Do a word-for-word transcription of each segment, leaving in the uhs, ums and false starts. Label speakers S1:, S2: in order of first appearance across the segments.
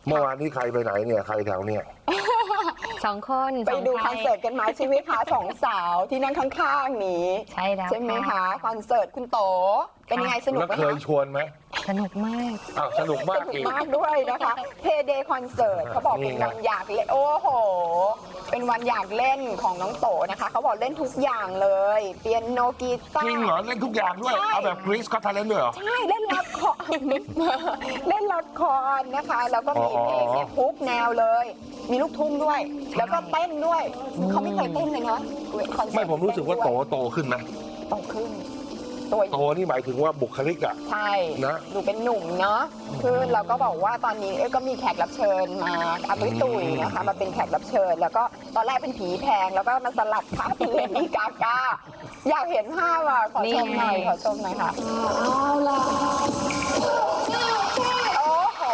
S1: เมื่อวานนี้ใครไปไหนเนี่ยใครแถวเนี่ย
S2: สองคน
S3: ไปดูคอนเสิร์ตกันมาใช่ไหมคะสองสาวที่นั่งข้างๆนี้
S2: ใช่แล้ว
S3: ใช่ไหมคะคอนเสิร์ตคุณโตเป็นยังไงสนุกไหมคะ
S1: เคยชวนไหม
S2: สนุกมาก
S1: อ้าวสนุกมากอีก
S3: มากด้วยนะคะเพเดย์คอนเสิร์ตเขาบอกเป็นวันอยากเล่นโอ้โหเป็นวันอยากเล่นของน้องโตนะคะเขาบอกเล่นทุกอย่างเลยเปียโนกีตาร์
S1: จริงเหรอเล่นทุกอย่างด้วยเอาแบบกรีซก็ทาเลนด้วยเหรอ
S3: ใช่เล่นละครเล่นละครนะคะแล้วก็มีเพลงเนี่ยทุกแนวเลยมีลูกทุ่งด้วยแล้วก็เต้นด้วยเขาไม่เคยเต้นเลยนะ
S1: ไม่ผมรู้สึกว่าโตโตขึ้นนะ
S3: โตขึ้น
S1: โตนี่หมายถึงว่าบุคลิกอ่ะ
S3: ใช่
S1: นะ
S3: ดูเป็นหนุ่มเนาะคือเราก็บอกว่าตอนนี้ก็มีแขกรับเชิญมาอาตุ้ยตุยนะคะมาเป็นแขกรับเชิญแล้วก็ตอนแรกเป็นผีแพงแล้วก็มาสลัดค่ะเป็นเลดี้กากาอยากเห็นภาพอ่ะขอชมหน่อยขอชมหน่อยค่ะเอาล่ะโอ้โห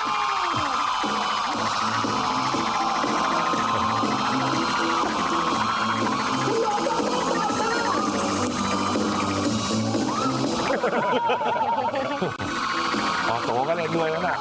S1: อ๋อโตก็เล่นด้วยแล้วน่ะ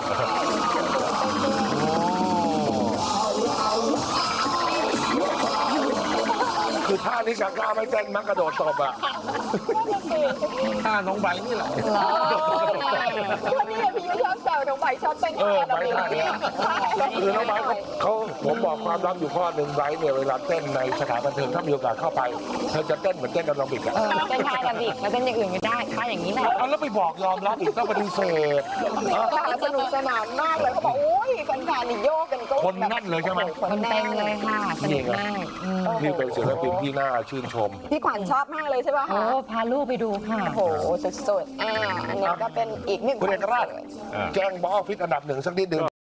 S1: คือท่านี้กากาไม่เต้นมักกระโดดตบอ่ะท่าน้องใบนี่แหละ
S3: วันนี้พี่ยุ้ยชอบแซวน้องใบชอบเต้น
S1: เออใบท่านี้คือน้องใบเขาผมบอกความลับอยู่ข้อหนึ่งใบเนี่ยเวลาเต้นในสถานบันเทิงถ้ามีโอกาสเข้าไปเธอจะเต้นเหมือนเต้นแอโรบิกอ่ะ
S2: เต้นท่าแอโรบิกแล้วเต้นอย่างอื่นไม่ได้ท่าอย่างนี้แหละ
S1: เอาแล้วไปบอกยอมรับอีกต้องปฏิเสธ
S3: สนุกสนานมากเลยเขาบอกโอ้ยแฟนๆนี่โยกกันก็
S1: คนนั่นเลยใช่ไหม
S2: คนเต็มเลยค่ะสนุกมาก
S1: นี่เป็นศิลปินที่น่าชื่นชม
S3: พี่ขวัญชอบมากเลยใช่ป่ะคะ
S2: โอ้พาลูกไปดูค่ะ
S3: โอ้โหสุดๆอ่าอันนี้ก็เป็นอีกหนึ่ง
S1: คุณเอกราชแจ้งบอสออฟฟิศอันดับหนึ่งสักนิดนึง